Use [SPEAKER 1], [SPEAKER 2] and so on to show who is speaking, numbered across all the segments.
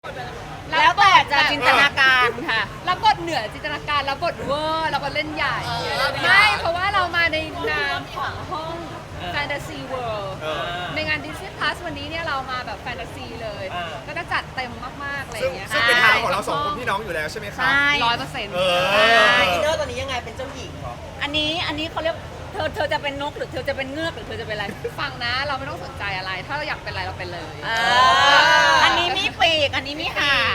[SPEAKER 1] แล้วแต่จะจินตนาการค่ะ
[SPEAKER 2] รับบทเหนือจินตนาการรับบทเวอร์รับบทเล่นใหญ่ไม่เพราะว่าเรามาในนามของห้องแฟนตาซีเวิลด์ในงาน Disney Plus วันนี้เนี่ยเรามาแบบแฟนตาซีเลยก็จะจัดเต็มมากๆอะไรอย่างเงี้ย
[SPEAKER 3] ซึ่งเป็นทางของเราสองคนพี่น้องอยู่แล้วใช่ไหมครับ
[SPEAKER 1] ใช่
[SPEAKER 2] 100%
[SPEAKER 4] อินเนอร์ตอนนี้ยังไงเป็นเจ้าหญิงเหรอ
[SPEAKER 1] อันนี้เขาเรียกเธอจะเป็นนกหรือเธอจะเป็นเงือกหรือเธอจะเป็นอะไร
[SPEAKER 2] ฟังนะเราไม่ต้องสนใจอะไร ถ้าเราอยากเป็นอะไรเราเป็นเลย
[SPEAKER 1] อันนี้มีปีกอันนี้มีหาง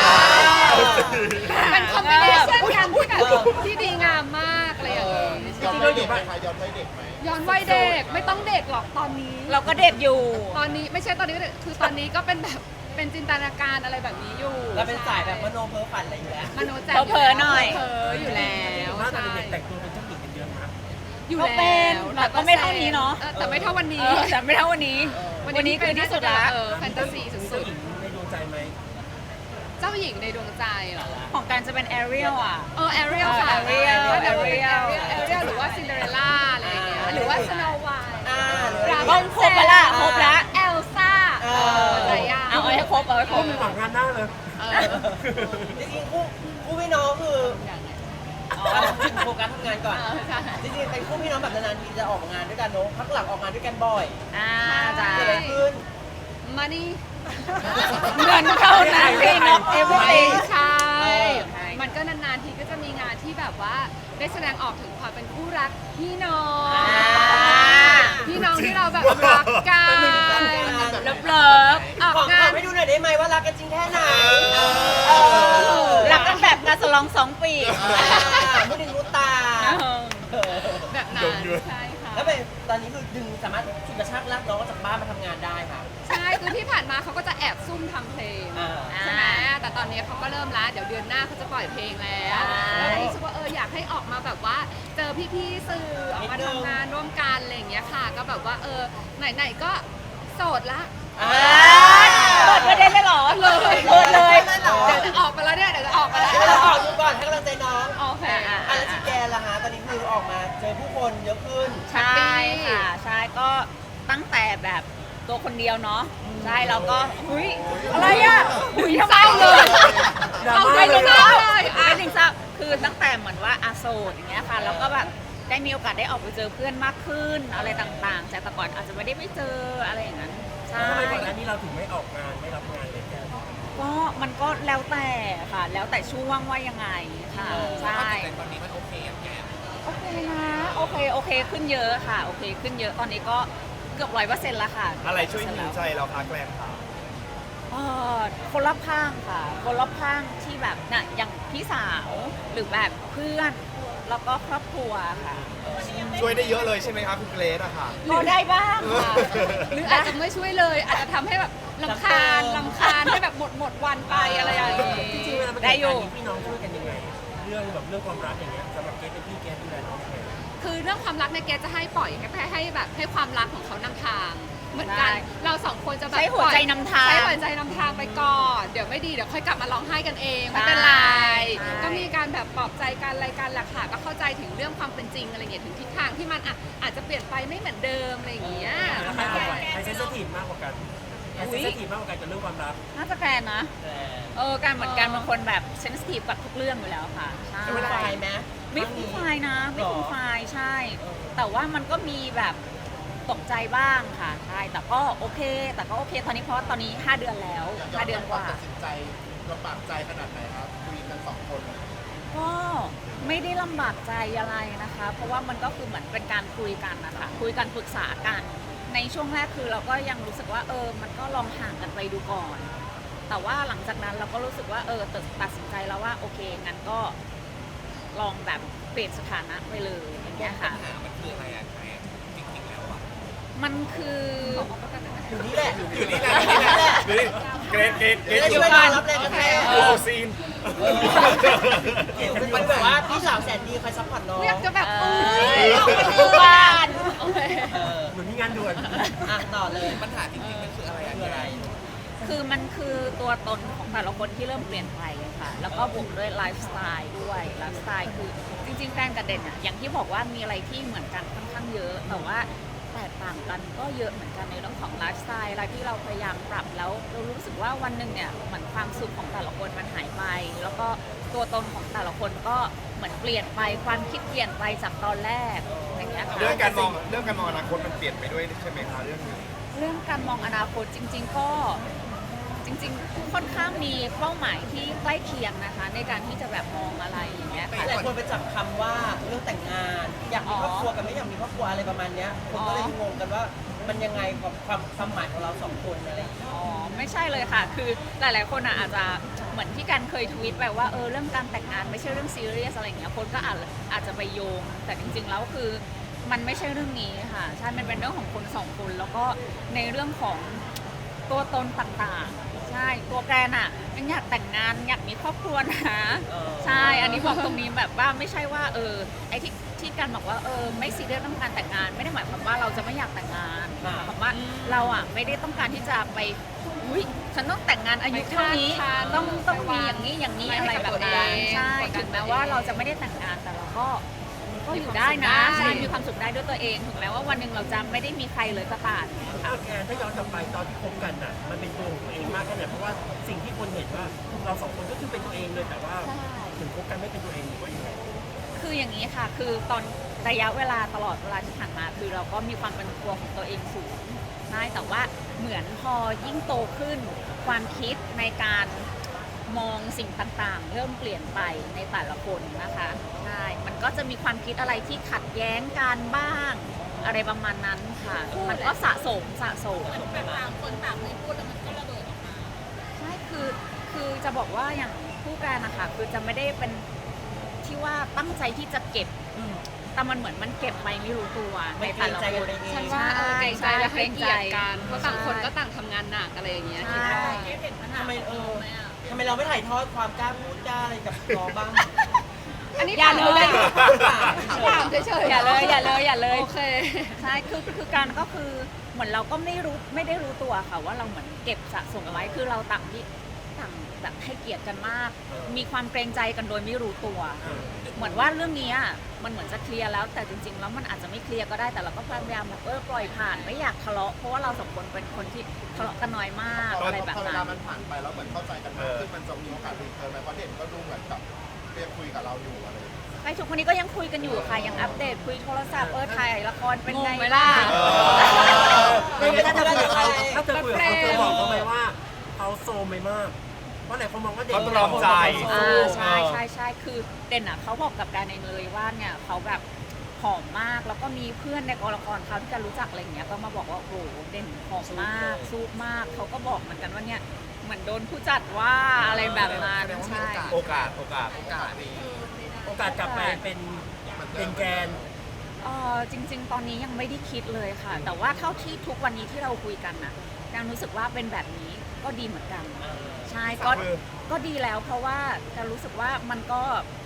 [SPEAKER 2] เป็นคอมบิเนชั่นกันที่แบบที่ดีงามมากอะไรอย่างเงี้ย
[SPEAKER 3] ย้อนวัยเด็กไหมคะย้อนวัยเด็กไหม
[SPEAKER 2] ย้อนวัยเด็กไม่ต้องเด็กหรอกตอนนี้
[SPEAKER 1] เราก็เด็กอยู่
[SPEAKER 2] ตอนนี้ไม่ใช่ตอนนี้ก็เด็กคือตอนนี้ก็เป็นแบบเป็นจินตนาการอะไรแบบนี้อยู่
[SPEAKER 4] เราเป็นสายแบบมโนเพ้อฝันอะไรอยู่แล้ว
[SPEAKER 2] มโนแจ่ม
[SPEAKER 1] เผลอๆหน่อย
[SPEAKER 2] เผลออยู่แล้ว
[SPEAKER 5] ว่าตอน
[SPEAKER 2] ใช่
[SPEAKER 5] เด็กแต่งตัวเป็นเจ้าหญิงกันเยอะมาก
[SPEAKER 2] อยู่
[SPEAKER 1] ก็
[SPEAKER 2] แล้ว
[SPEAKER 1] เป็นแต่ก็ไม่เท่านี้เนาะ
[SPEAKER 2] แต่ไม่เท่าวันนี้
[SPEAKER 1] แต่ไม่เท่าวันนี้ วันนี้คือที่สุดละ
[SPEAKER 2] แฟนตาซีสุ
[SPEAKER 5] เจ้า
[SPEAKER 2] ด
[SPEAKER 5] หญิงในดวงใจไหม
[SPEAKER 2] ๆเจ้าหญิงในดวงใจเหรอ
[SPEAKER 1] ของการจะเป็นแอเรียลอ่ะ
[SPEAKER 2] แอเรียลค่ะ
[SPEAKER 1] Ariel
[SPEAKER 2] แอเรียลหรือว่าซินเดอเรลล่าอะไรอย่างเงี้ยหรือว่าสโนว์ไวท์
[SPEAKER 1] บ้องครบปะล่ะครบละ
[SPEAKER 2] เอลซ่าอะไรอย่าง
[SPEAKER 1] เอาให้ครบเอาให้ครบ
[SPEAKER 5] มีหวังงานหน้าเลย
[SPEAKER 4] จริงๆคู่พี่น้องคือถึงโฟกัสทำงานก่อน
[SPEAKER 2] ใช่
[SPEAKER 4] จริงๆเป็นคู่พี่น้องแบบนานๆทีจะออกงานด้วยกันเนาะพักหลังออกงานด้วยกันบ่อย
[SPEAKER 1] จ้า
[SPEAKER 4] เกิดอะไรขึ้น
[SPEAKER 2] มานี่
[SPEAKER 1] เงินเท่านั้นพี่นก everything
[SPEAKER 2] ใช่
[SPEAKER 1] ใช่
[SPEAKER 2] มันก็นานๆทีก็จะมีงานที่แบบว่าได้แสดงออกถึงความเป็นคู่รักพี่น้อง พี่น้องที่เราแบบรักกัน
[SPEAKER 1] เลิฟเลิฟ
[SPEAKER 2] ออก
[SPEAKER 4] ของ
[SPEAKER 2] งา
[SPEAKER 4] ขาน ให้ดูหน่อยได้ไหมว่ารักกันจริงแค่ไหน
[SPEAKER 1] รักกันแบบงานสลอง2 ปี
[SPEAKER 4] มุดินมุตา
[SPEAKER 2] แบบนั้นใช่ค่ะ
[SPEAKER 4] แล้วเป็นตอนนี้คือดึงสามารถฉุดกระชากลากน้องออกจากบ้านมาทำงานได้ค่ะ
[SPEAKER 2] ใช่คือที่ผ่านมาเขาก็จะแอบซุ่มทำเพลง ใช่ไหมแต่ตอนนี้เขาก็เริ่มแล้วเดี๋ยวเดือนหน้าเขาจะปล่อยเพลงแล้วแล้วรู้สึกว่าอยากให้ออกมาแบบว่าเจอพี่ๆสื่อออกมาทำงานร่วมกันอะไรอย่างเงี้ยค่ะ ก็แบบว่าไหนๆก็โสดละ
[SPEAKER 1] เปิดประเด็นเลยเหรอ
[SPEAKER 2] เลย
[SPEAKER 1] เปิดเลย
[SPEAKER 2] เดี๋ยวจะออกมาแล้วเนี่ยเดี๋ยวจะออกมาแล้ว
[SPEAKER 4] ให้เราออกดูก่อนให้กำลังใจน้อง
[SPEAKER 2] โอเค
[SPEAKER 4] แล้วจีแกนล่ะฮะตอนนี้คือออกมาเจอผู้คนเยอะขึ้น
[SPEAKER 1] ใช่ค่ะใช่ก็ตั้งแต่แบบตัวคนเดียวเนาะใช่แล้วก็อุ้ยอะไรอ่ะอุ้ยทำไม
[SPEAKER 2] เศร้าเลย
[SPEAKER 1] เอาไป
[SPEAKER 2] เล
[SPEAKER 1] เลย ย
[SPEAKER 2] เลย
[SPEAKER 1] ไม่ถึงเศร้าคือตั้งแต่เหมือนว่าอาโซดอย่างเงี้ยค่ะแล้วก็แบบได้มีโอกาสได้ออกไปเจอเพื่อนมากขึ้นอะไรต่างๆจากแต่ก่อนอาจจะไม่ได้ไปเจออะไรอย่างนั้นใช่
[SPEAKER 5] ทำไมก่อนหน้านี้เราถึงไม่ออกงานไม่รับงานเลยแก
[SPEAKER 1] ก็มันก็แล้วแต่ค่ะ แล้วแต่ช่วงว่ายังไงค่ะใช่
[SPEAKER 3] แต่ตอนนี้มันโอเคอย่างแก
[SPEAKER 1] โอเคนะโอเคขึ้นเยอะค่ะโอเคขึ้นเยอะตอนนี้ก็เกือบ100%แล้วค่ะ
[SPEAKER 3] อะไรช่วยหิวใจเราพักแรมค่ะ
[SPEAKER 1] เอ่อคนรอบข้างค่ะ คนรอบข้างที่แบบน่ะอย่างพี่สาวหรือแบบเพื่อนแล้วก็ครอบครัวค่ะ
[SPEAKER 3] ช่วยได้เยอะเลยใช่ไหมครับคุณเกรซอะค่ะ
[SPEAKER 1] ก็ได้บ้างค่ะ
[SPEAKER 2] หรืออาจจะไม่ช่วยเลย อาจจะทำให้แบบลำคาญให้แบบหมดวันไปอะไรอย่างงี้
[SPEAKER 5] จริงๆเวลามัน
[SPEAKER 1] ได้
[SPEAKER 5] เกิด
[SPEAKER 1] อยู่
[SPEAKER 5] การนี้พี่น้องช่วยกันยังไง เรื่องความรักอย่างเงี้ยสำหรับเกสเป็นพี่แกดูแลน้องยังไง
[SPEAKER 2] คือเรื่องความรักเนี่ยแกจะให้ปล่อยให้แบบให้ความรักของเขานำทาง เหมือนกัน
[SPEAKER 1] ใช่
[SPEAKER 2] เราสองคนจะแบบ
[SPEAKER 1] ใช้หัวใจนำทาง
[SPEAKER 2] ใช้หัวใจนำทางไปก่อนเดี๋ยวไม่ดีเดี๋ยวค่อยกลับมาร้องไห้กันเองไม่เป็นไร
[SPEAKER 1] ใช่
[SPEAKER 2] ก็มีการแบบปลอบใจกันอะไรกันแหละค่ะก็เข้าใจถึงเรื่องความเป็นจริงอะไรเงี้ยถึงทิศทางที่มันอาจจะเปลี่ยนไปไม่เหมือนเดิมอะไรอย่างเงี้ย
[SPEAKER 5] แล้วใครอ่อนไหวใครเซนซิทีฟมากกว่ากันใครเซนซิทีฟมากกว่ากันกับเรื่องความรัก
[SPEAKER 1] น่าจะแฟนนะการเหมือนกันบางคนแบบเซนซิทีฟกับทุกเรื่องอยู่แล้วค่ะใช่
[SPEAKER 4] จะเป็นไฟไหม
[SPEAKER 1] ไม่คุ้มไฟนะไม่คุ้มไฟใช่ แต่ว่ามันก็มีแบบตกใจบ้างค่ะใช่แต่ก็โอเคตอนนี้เพราะตอนนี้5 เดือนแล้ว5 เดือนกว่า
[SPEAKER 3] ตัดสินใจลำบากใจขนาดไหนครับคุยกันสองคน
[SPEAKER 1] ก็ไม่ได้ลำบากใจอะไรนะคะ เพราะว่ามันก็คือเหมือนเป็นการคุยกันนะคะคุยกันปรึกษากัน ในช่วงแรกคือเราก็ยังรู้สึกว่ามันก็ลองห่างกันไปดูก่อน แต่ว่าหลังจากนั้นเราก็รู้สึกว่าตัดสินใจแล้วว่าโอเคงั้นก็ลองแบบเปลี่ยนสถานะไปเลยอย่างเงี้ยค่ะ
[SPEAKER 3] มันคืออะไรอะจริงๆแล้วอะ
[SPEAKER 1] มันคือ
[SPEAKER 4] อยู่นี่แหละ
[SPEAKER 3] อยู่นี่แหละอยู่นี่แหละดูดิเกรซเกรซเกรซ
[SPEAKER 4] จะช่วยเรารับแรงกระแทก
[SPEAKER 3] โอ้ซีน
[SPEAKER 4] มันแบบว่าพี่สาวแสนดีคอยซัพพอร์ตน้อง
[SPEAKER 2] อยากจะแบบออกมา
[SPEAKER 1] ดูบ้าน
[SPEAKER 2] โอเค
[SPEAKER 5] เหมือนมีงานด่วน
[SPEAKER 4] ต่อเลย
[SPEAKER 3] ปัญหาจริงๆมันคืออะไรอะ
[SPEAKER 4] คืออะไร
[SPEAKER 1] คือมันคือตัวตนของแต่ละคนที่เริ่มเปลี่ยนไปค่ะ แล้วก็บวกด้วยไลฟ์สไตล์ด้วยไลฟ์สไตล์คือจริงๆแฟนกับเด่นอะอย่างที่บอกว่ามีอะไรที่เหมือนกันค่อนข้างเยอะ แต่ว่าไลแตกต่างกันก็เยอะเหมือนกันในเรื่องของไลฟ์สไตล์อะไรที่เราพยายามปรับแล้วเรารู้สึกว่าวันหนึ่งเนี่ยเหมือนความสุขของแต่ละคนมันหายไป แล้วก็ตัวตนของแต่ละคนก็เหมือนเปลี่ยนไปความคิดเปลี่ยนไปจากตอนแรกอย่างเงี้ยค่ะ
[SPEAKER 3] เรื่องการมองอนาคตมันเปลี่ยนไปด้วยใช่ไหมคะเรื่องนี้
[SPEAKER 1] เรื่องการมองอนาคตจริง ๆ ก็จริงๆค่อนข้างมีเป้าหมายที่ใกล้เคียงนะคะ ในการที่จะแบบมองอะไรอย่างเงี้ยค่ะ
[SPEAKER 4] หลายคนไปจับคำว่าเรื่องแต่งงาน อยากมีครอบครัวกับไม่อยากมีครอบครัวอะไรประมาณเนี้ยคนก็เลยงงกันว่ามันยังไงกับความหมายของเราสองคนอะไรอย่างเงี้ย
[SPEAKER 1] อ๋อไม่ใช่เลยค่ะ คือหลายๆคนอาจจะเหมือนที่กันเคยทวีตไปว่าเรื่องการแต่งงานไม่ใช่เรื่องซีเรียสอะไรอย่างเงี้ยคนก็อาจจะไปโยง แต่จริงๆแล้วคือมันไม่ใช่เรื่องนี้ค่ะใช่มันเป็นเรื่องของคนสองคนแล้วก็ในเรื่องของตัวตนต่างๆใช่ตัวแกรนยังอยากแต่งงานอยากมีครอบครัวนะใช่อันนี้บอกตรงนี้แบบว่าไม่ใช่ว่าไอ้ที่กันบอกว่าไม่ซีเรียสเรื่องการแต่งงาน ไม่ได้หมายความว่าเราจะไม่อยากแต่งงานหมายความว่าเราไม่ได้ต้องการที่จะไปอุ้ยฉันต้องแต่งงานอายุเท่านี้ต้องมีอย่างนี้อะไรแบบนั้นใช่ถึงแม้ว่าเราจะไม่ได้แต่งงานแต่เราก็อยู่ได้นะใช่มีความสุขได้ด้วยตัวเองถึงแม้ว่าวันหนึ่งเราจะไม่ได้มีใครเลยก็ตาม
[SPEAKER 5] แกถ้าย้อนกลับไปตอนที่คบกันน่ะมันเป็นตัวของตัวเองมากแค่ไหนเพราะว่าสิ่งที่คนเห็นว่าเราสองคนก็คือเป็นตัวเองเลยแต่ว่าถึงคบกันไม่เป็นตัวเองหรือว่ายังไง
[SPEAKER 1] คืออย่างนี้ค่ะ คือตอนระยะเวลาตลอดเวลาที่ผ่านมา คือเราก็มีความเป็นตัวของตัวเองสูงใช่แต่ว่าเหมือนพอยิ่งโตขึ้น ความคิดในการมองสิ่งต่างๆ เริ่มเปลี่ยนไปในแต่ละคนนะคะ ใช่ มันก็จะมีความคิดอะไรที่ขัดแย้งกันบ้าง อะไรประมาณนั้นค่ะ มันก็สะสม
[SPEAKER 6] แบบต่างคนต่างไม่พูดแล้วมันก็ระเบิดออกมา
[SPEAKER 1] ใช่คือจะบอกว่าอย่างผู้การนะคะคือจะไม่ได้เป็นที่ว่าตั้งใจที่จะเก็บแต่มันเหมือนมันเก็บไปไม่รู้ตัวในแต่ละคน
[SPEAKER 2] ฉันว่าเกรงใจและให้เกียรติกันเพราะต่างคนก็ต่างทำงานหนักอะไรอย่างเงี้ย
[SPEAKER 1] ใช่
[SPEAKER 4] ทำไมทำไมเราไม่ถ่ายทอดความกล้าพูดกล้าอะไรกับน้องบ้าง
[SPEAKER 2] อันนี้
[SPEAKER 1] อย่าเลย
[SPEAKER 2] ถามเฉยๆ
[SPEAKER 1] อย่าเลย
[SPEAKER 2] โอเค
[SPEAKER 1] ใช่คือการก็คือเหมือนเราก็ไม่ได้รู้ตัวค่ะว่าเราเหมือนเก็บสะสมไว้คือเราต่างแบบให้เกียรติกันมาก มีความเกรงใจกันโดยไม่รู้ตัว เหมือนว่าเรื่องนี้มันเหมือนจะเคลียร์แล้วแต่จริงๆแล้วมันอาจจะไม่เคลียร์ก็ได้แต่เราก็พยายามแบบปล่อยผ่านไม่อยากทะเลาะเพราะว่าเราสองคนเป็นคนที่ทะเลาะกันน้อยมาก
[SPEAKER 3] ตอน
[SPEAKER 1] อะไรแบบ
[SPEAKER 3] พอเว
[SPEAKER 1] นั้
[SPEAKER 3] ลาน มันผ่านไปแล้วเหมือนเข้าใจกันมากขึ้นมันจะมีโอกาสรีเทิร์นไหมเพราะเด่นก็ดูเหมือนกับเรียกคุยกับเราอยู่อะไรอย่างเงี้ย
[SPEAKER 1] ใครทุกคนนี้ก็ยังคุยกันอยู่ค่ะยังอัปเดตคุยโทรศัพท์ถ่ายละครเป็นไง
[SPEAKER 2] งงไหมล่ะ
[SPEAKER 5] ถ้าเธอคุยกับเขาเธอบอกเขาไหมว่าเขาโซมไปมากเพราะหลายคนมองว่าเด็ก
[SPEAKER 3] เขาตรอมใจ
[SPEAKER 1] ใช่คือเด่นเขาบอกกับการเองเลยว่าเนี่ยเขาแบบผอมมากแล้วก็มีเพื่อนในกองละครเขาที่จะรู้จักอะไรอย่างเงี้ยก็มาบอกว่าโอ้โหเด่นผอมมากสู้มากเขาก็บอกเหมือนกันว่าเนี่ยเหมือนโดนผู้จัดว่าอะไรแบบนั้นใช่
[SPEAKER 3] โอกาสดี
[SPEAKER 5] โอกาสกลับไปเป็นแกน
[SPEAKER 1] จริง ๆ ตอนนี้ยังไม่ได้คิดเลยค่ะ แต่ว่าเท่าที่ทุกวันนี้ที่เราคุยกันน่ะยังรู้สึกว่าเป็นแบบนี้ก็ดีเหมือนกันใช่ก็ดีแล้วเพราะว่าจะรู้สึกว่ามันก็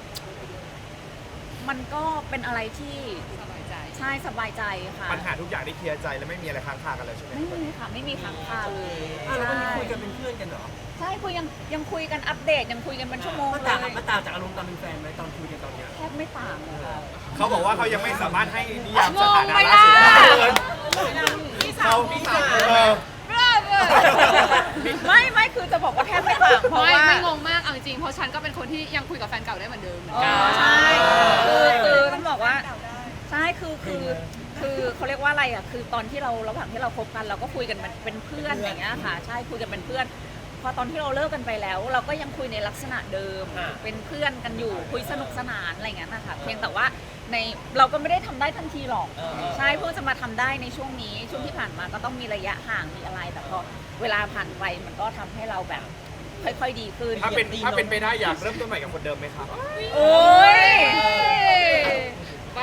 [SPEAKER 1] เป็นอะไรที่
[SPEAKER 2] สบายใจ
[SPEAKER 1] ใช่สบายใจค่ะ
[SPEAKER 3] ปัญหาทุกอย่างได้เคลียร์ใจแล้วไม่มีอะไรค้างคากันแล้วใช่ไหม
[SPEAKER 1] ไม่มีค่ะไม่มีค้างคาเลย
[SPEAKER 5] แล้ววันนี้
[SPEAKER 1] ใช่
[SPEAKER 5] คุยกันเป็นเพื่อนกันเหรอ
[SPEAKER 1] ใช่คุยยังคุยกันอัปเดตยังคุยกันเป็นชั่วโมง
[SPEAKER 5] มัน
[SPEAKER 1] เล
[SPEAKER 5] ต่าง
[SPEAKER 1] ย
[SPEAKER 5] มันต่างจากอารมณ์ตอนเป็นแฟนไหมตอนคุยกันตอนเนี้ย
[SPEAKER 1] แทบไม่ต่างเลยค่ะ
[SPEAKER 3] เขาบอกว่าเขายังไม่สามารถให้นิยาม
[SPEAKER 2] ง
[SPEAKER 3] ส
[SPEAKER 2] ง
[SPEAKER 3] ถานะ
[SPEAKER 2] ไหม
[SPEAKER 3] ล่า
[SPEAKER 2] ล่ะ
[SPEAKER 3] สุดเขา
[SPEAKER 1] ไม่คือจะบอกว่าแทบไม่ต่างเพราะว่า
[SPEAKER 2] ไม่งงมากเอาจริงๆเพราะฉันก็เป็นคนที่ยังคุยกับแฟนเก่าได้เหมือนเดิมเหมือนกัน
[SPEAKER 1] ใช่คือต้องบอกว่าใช่คือเขาเรียกว่าอะไรคือตอนที่เราระหว่างที่เราคบกันเราก็คุยกันเป็นเพื่อนอย่างเงี้ยค่ะใช่คุยกันเป็นเพื่อนพอตอนที่เราเลิกกันไปแล้ว เราก็ยังคุยในลักษณะเดิมเป็นเพื่อนกันอยู่คุยสนุกสนานอะไรอย่างเงี้ยนะคะเพียงแต่ว่าเราก็ไม่ได้ทำได้ทันทีหรอกใช่เพิ่งจะมาทำได้ในช่วงนี้ช่วงที่ผ่านมาก็ต้องมีระยะห่างมีอะไรแต่พอเวลาผ่านไปมันก็ทำให้เราแบบค่อยๆดีขึ้น
[SPEAKER 3] ถ้าเป็นไปได้อยากเริ่มต้นใหม่กับคนเดิมไหมครับ
[SPEAKER 1] โอ้ย
[SPEAKER 2] ไป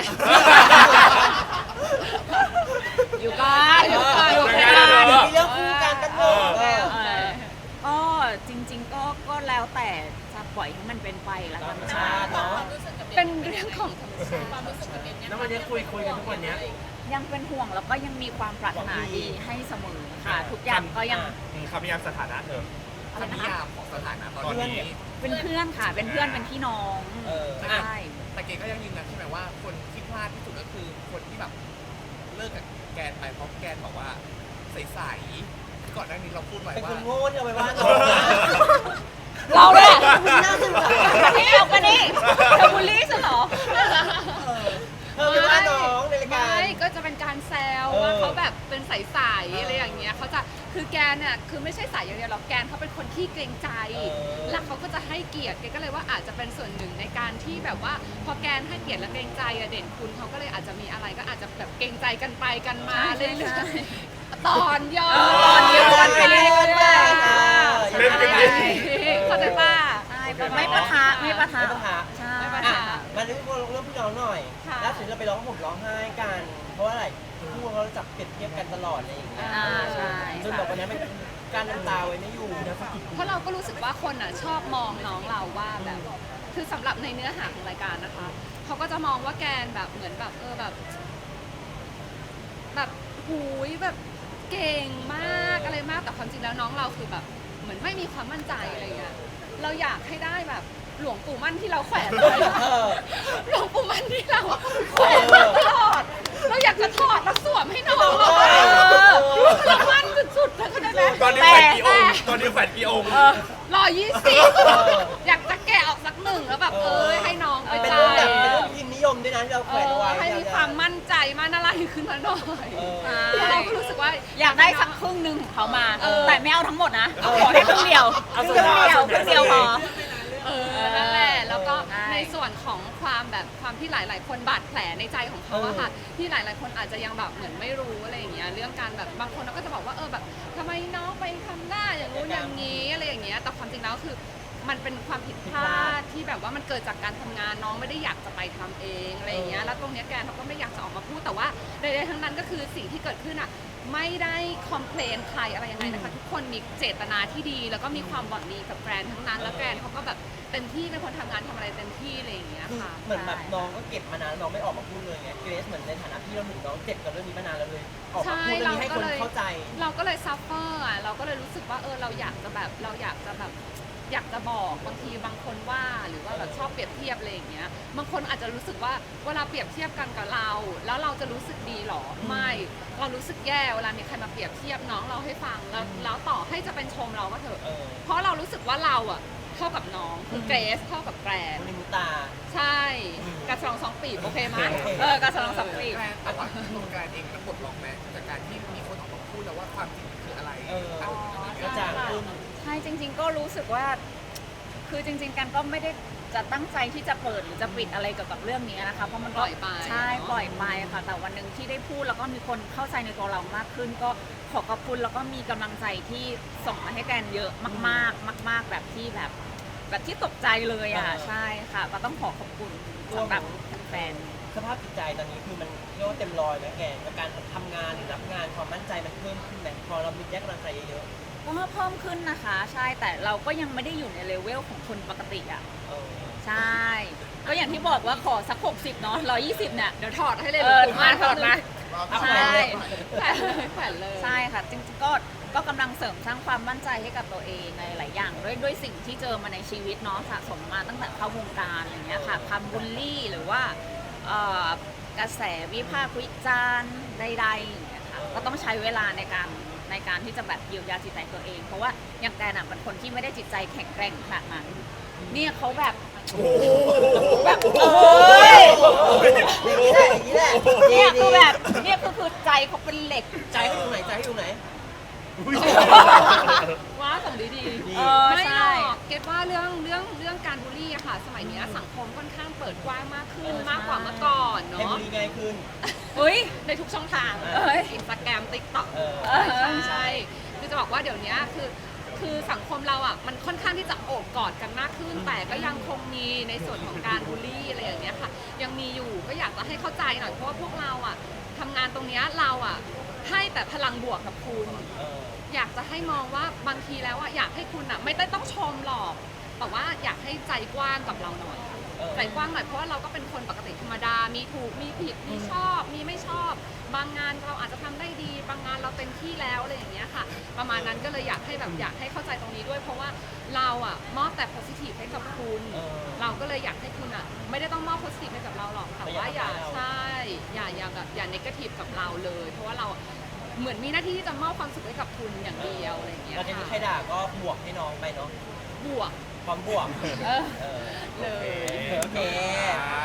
[SPEAKER 1] อยู่ก่อนอยู่ก่อน
[SPEAKER 3] ยังไงล่ะ
[SPEAKER 4] มีเรื่องคู่กันกันหมด
[SPEAKER 1] ก็จริงๆก็แล้วแต่จะปล่อยให้มันเป็นไปแล้วกัน
[SPEAKER 4] ชาติเนาะ
[SPEAKER 2] เป็นเรื่องของธรรมชาติ
[SPEAKER 6] ความรู้สึกกับเบนเนี่ย
[SPEAKER 5] แล้ววันนี้คุยกันทุกวันเนี้ย
[SPEAKER 1] ยังเป็นห่วงแล้วก็ยังมีความปรารถนาดีให้เสมอค่ะทุกอย่างก็ยัง
[SPEAKER 3] คำนิยามสถานะเธอ
[SPEAKER 1] อะไรนะคะ
[SPEAKER 3] ของสถานะตอนนี้
[SPEAKER 1] เป็นเพื่อนค่ะเป็นเพื่อนเป็นพี่น้องใช่
[SPEAKER 7] แต่เกก็ยังยืนยันใช่ไหมว่าคนที่พลาดที่สุดก็คือคนที่แบบเลิกกับแกนไปเพราะแกนบอกว่าใสๆก่อนหน้านี้เราพูดไว้
[SPEAKER 4] เป็น
[SPEAKER 7] ว่า
[SPEAKER 4] คนโง่ที่เอาไปว่าน้อง
[SPEAKER 1] เราเนี่ย
[SPEAKER 4] น่าสงสาร
[SPEAKER 1] นี่เอากันนี่เธอบูลลี่ฉันเหรอ
[SPEAKER 4] เธอไปว่าน้องในรายการ
[SPEAKER 2] ไม่ก็จะเป็นการแซว
[SPEAKER 4] เออ
[SPEAKER 2] ว่าเขาแบบเป็นใสๆอะไรอย่างเงี้ยเขาจะคือแกนเนี่ยคือไม่ใช่ใสอย่างเดียวหรอกแกนเขาเป็นคนที่เกรงใจ แล้วเขาก็จะให้เกียรติแกก็เลยว่าอาจจะเป็นส่วนหนึ่งในการที่แบบว่าพอแกนให้เกียรติและเกรงใจอะเด่นคุณเขาก็เลยอาจจะมีอะไรก็อาจจะแบบเกรงใจกันไปกันมา
[SPEAKER 1] ใช่
[SPEAKER 2] เรื่
[SPEAKER 1] ใช่
[SPEAKER 2] อยๆตอนย้อน
[SPEAKER 1] ตอนย้อนไปเรื่อยๆ
[SPEAKER 5] เล่นกันดี
[SPEAKER 2] เข้าใจป่ะ
[SPEAKER 1] ใช่ไม่ปะทะไม่ปะทะ
[SPEAKER 4] ไม่ปะทะ
[SPEAKER 1] ใช่
[SPEAKER 2] ไม่ปะ
[SPEAKER 4] อ่ะ
[SPEAKER 2] ทะ
[SPEAKER 4] มาเรื่องพี่น้องหน่อย
[SPEAKER 2] ค่ะ
[SPEAKER 4] ล่าสุดเราไปร้องห่มร้องไห้กัน เพราะว่าอะไรคู่เขาจับเปรียบเทียบกันตลอดอะไรอย่างเงี้ย
[SPEAKER 1] ใช่
[SPEAKER 4] จนแบบวันนี้มันการน้ำตาไว้ไม่อยู่
[SPEAKER 2] เพราะเราก็รู้สึกว่าคนอ่ะชอบมองน้องเราว่าแบบ คือสำหรับในเนื้อหาของรายการนะคะเขาก็จะมองว่าแกนแบบเหมือนแบบแบบหูยแบบเก่งมากอะไรมากแต่ความจริงแล้วน้องเราคือแบบเหมือนไม่มีความมั่นใจอะไรเงี้ยเราอยากให้ได้แบบหลวงปู่มั่นที่เราแขวนไว้
[SPEAKER 4] เออ
[SPEAKER 2] หลวงปู่มั่นที่เราแขวนไว้ตลอดเราอยากจะถอดแล้วสวมให้น้องเราเรามั่นสุดๆเลยเข้าใจไหม
[SPEAKER 5] ตอนนี้แฝดกี่องค์ตอนนี้แฝดกี่องค์
[SPEAKER 2] อยากจะแกะออกสักหนึ่งแล้วแบบให้น้องไป
[SPEAKER 4] เป็น
[SPEAKER 2] ใจ
[SPEAKER 4] เรื่องแบบเป็นเรื่องพิมพ์นิยมด้วยนะที่เราแขวนเอาไว้
[SPEAKER 2] ให้มีความมั่นใจมั่นอะไรขึ้นมาหน่อย
[SPEAKER 4] เออ
[SPEAKER 2] แล้วเราก็รู้สึกว่า
[SPEAKER 1] อยากได้สักครึ่งหนึ่งของเขามา
[SPEAKER 2] เออ
[SPEAKER 1] แต่ไม่เอาทั้งหมดนะ ขอแค่ครึ่งเดียว
[SPEAKER 5] เอา
[SPEAKER 1] ค
[SPEAKER 5] ส่
[SPEAKER 1] รึ่
[SPEAKER 5] วน
[SPEAKER 1] ง
[SPEAKER 5] น้อย
[SPEAKER 1] เดียวครึ่งเดียวพอ
[SPEAKER 2] นั่นแหละแล้วก็
[SPEAKER 1] ใช่
[SPEAKER 2] ในส่วนของความแบบความที่หลาย ๆ คนบาดแผลในใจของเขาอะค่ะที่หลาย ๆ คนอาจจะยังแบบเหมือนไม่รู้อะไรอย่างเงี้ยเรื่องการแบบบางคนก็จะบอกว่าแบบทำไมน้องไปทำหน้าอย่างงู้นอย่างนี้อะไรอย่างเงี้ยแต่ความจริงแล้วคือมันเป็นความผิดพลาดที่แบบว่ามันเกิดจากการทำงานน้องไม่ได้อยากจะไปทำเองอะไรอย่างเงี้ยแล้วตรงเนี้ยแกนเขาก็ไม่อยากจะออกมาพูดแต่ว่าใดๆทั้งนั้นก็คือสิ่งที่เกิดขึ้นอะไม่ได้คอมเพลนใครอะไรยังไงนะคะทุกคนมีเจตนาที่ดี แล้วก็มีความหวังดีกับแกรนทั้งนั้นแล้วแกรนเขาก็แบบเต็มที่เป็นคนทำงานทำอะไรเต็มที่อะไรอย่างเงี้ย
[SPEAKER 4] คือ
[SPEAKER 2] ค่ะ
[SPEAKER 4] เหมือนแบบน้องก็เก็บมานานน้องไม่ออกมาพูดเลยไงเกรซเหมือนในฐานะพี่เราหนึ่งน้องเจ็บกับเรื่องนี้มานานแล้วเลย ออกมาพูดเรื่องนี้ให้คนเข้าใจ
[SPEAKER 2] เราก็เลยซัฟเฟอร์อ่ะเราก็เลยรู้สึกว่าเราอยากจะบอกบางทีบางคนว่าหรือว่าแบบชอบเปรียบเทียบอะไรอย่างเงี้ยบางคนอาจจะรู้สึกว่าเวลาเปรียบเทียบกันกับเรา แล้วเราจะรู้สึกดีหรอไม่เรารู้สึกแย่เวลามีใครมาเปรียบเทียบน้องเราให้ฟังแล้วต่อให้จะเป็นชมเราก็เถอะ
[SPEAKER 4] เออ
[SPEAKER 2] เพราะเรารู้สึกว่าเราอ่ะเท่ากับน้องคือเกรซเท่ากับแกรน
[SPEAKER 4] คนในมือตา
[SPEAKER 2] ใช่กระสอง2 ปีโอเคไหม
[SPEAKER 4] โอเค
[SPEAKER 1] กระสลองสองปี
[SPEAKER 7] แกรนแต่ว่าตัวแกรนเองก็ปลดล็อกแม้จากการที่มีคนออกมาพูดแล้วว่าความจริงคืออะไร
[SPEAKER 4] เออ กระจ่างขึ้น
[SPEAKER 1] ใช่จริง ๆ ก็รู้สึกว่า คือจริง ๆ กันก็ไม่ได้จะตั้งใจที่จะเปิดหรือจะปิดอะไรเกี่ยวกับเรื่องนี้นะคะเพราะมัน
[SPEAKER 2] ป
[SPEAKER 1] ก็
[SPEAKER 2] ล่อยไป
[SPEAKER 1] ใช่ปล่อยไปค่ะ แต่วันหนึ่งที่ได้พูดแล้วก็มีคนเข้าใจในตัวเรามากขึ้น ก็ขอขอบคุณแล้วก็มีกำลังใจที่ส่งมาให้แกนเยอะมากๆ มาก ๆ แบบที่แบบที่ตกใจเลยอ่ะใช่ค่ะก็ต้องขอขอบคุณสำหรับแฟน
[SPEAKER 4] สภาพจิตใจตอนนี้คือมันเรียกว่าเต็มร้อยไหมแกกับการทำงานหรือรับงานความมั่นใจมันเพิ่มขึ้นไหมพอเรามีแยกกำลังใจเยอะ
[SPEAKER 1] ก็เพิ่มขึ้นนะคะ ใช่แต่เราก็ยังไม่ได้อยู่ในเลเวลของคนปกติอ่ะ
[SPEAKER 4] ๆเออ
[SPEAKER 1] ใช่ ก็อย่างที่บอกว่าขอสัก60เนาะ120เนี่ย
[SPEAKER 2] เดี๋ยวถอดให้เลย
[SPEAKER 1] ถอดมา ใช่
[SPEAKER 2] แขวนเลย
[SPEAKER 1] ใช่ค่ะ จริงๆก็กำลังเสริมสร้างความมั่นใจให้กับตัวเองในหลายอย่างด้วยสิ่งที่เจอมาในชีวิตเนาะสะสมมาตั้งแต่เข้าวงการอะไรเงี้ยค่ะคำบูลลี่หรือว่ากระแสวิพากษ์วิจารณ์ใดๆอย่างเงี้ยค่ะก็ต้องใช้เวลาในการที่จะแบบเยียวยาจิตใจตัวเอง เพราะว่าอย่างแกน่ะเป็นคนที่ไม่ได้จิตใจแข็งแกร่งขนาดนั้นเนี่ยเขาแบบแบบ
[SPEAKER 4] อย่างนี้แหละ
[SPEAKER 1] เนี่ยคือแบบเนี่ยคือใจเขาเป็นเหล็ก
[SPEAKER 4] ใจให้อยู่ไหนใจให้อยู่ไหน
[SPEAKER 2] ว่าส่งดี
[SPEAKER 4] ดี
[SPEAKER 2] ไม่หร
[SPEAKER 1] ใช่
[SPEAKER 2] อกเก็ตว่าเรื่องการบูลลี่อะค่ะ สมัยเนี้ยสังคมค่อนข้างเปิดกว้างมากขึ้นมากกว่าเมื่อก่อน
[SPEAKER 4] ให้
[SPEAKER 2] เนาะ
[SPEAKER 4] บุรีง่ายขึ้น
[SPEAKER 1] เฮ้ย
[SPEAKER 2] ในทุกช่องทาง
[SPEAKER 1] เอ้ย
[SPEAKER 2] อินสตาแกรมติ๊กต็อก
[SPEAKER 4] เออ
[SPEAKER 2] ใช่คือจะบอกว่าเดี๋ยวนี้คือสังคมเราอ่ะมันค่อนข้างที่จะโอบกอดกันมากขึ้น แต่ก็ยังคงมีในส่วนของการบูลลี่อะไรอย่างเงี้ยค่ะ ยังมีอยู่ก็อยากจะให้เข้าใจหน่อยเพราะว่าพวกเราอ่ะทำงานตรงเนี้ยเราอ่ะให้แต่พลังบวกกับคุณ
[SPEAKER 4] เออ
[SPEAKER 2] อยากจะให้มองว่าบางทีแล้วอ่ะอยากให้คุณอ่ะไม่ได้ต้องชมหรอก แต่ว่าอยากให้ใจกว้างกับเราหน่อย
[SPEAKER 4] เอ
[SPEAKER 2] ใจกว้างหน่อยเพราะว่าเราก็เป็นคนปกติธรรมดา มีถูกมีผิดมีชอบมีไม่ชอบ บางงานเราอาจจะทำได้ดีบางงานเราเต็มที่แล้วอะไรอย่างเงี้ยค่ะประมาณนั้นก็เลยอยากให้เข้าใจตรงนี้ด้วยเพราะว่าเราอะมอบแต่ positive ให้กับคุณเราก็เลยอยากให้คุณอะไม่ได้ต้องมอบ positive ให้กับเราหรอกแต่ว่าอย่าใช่อย่าแบบอย่า negative กับเราเลยเพราะว่าเราเหมือนมีหน้าที่ที่จะมอบความสุขให้กับคุณอย่างเดียวอะไรอย่างเงี้ย
[SPEAKER 4] เราจะมีใครด่าก็บวกให้น้องไปเนาะ
[SPEAKER 2] บวก
[SPEAKER 4] ความบวก
[SPEAKER 2] เลย
[SPEAKER 4] โอเค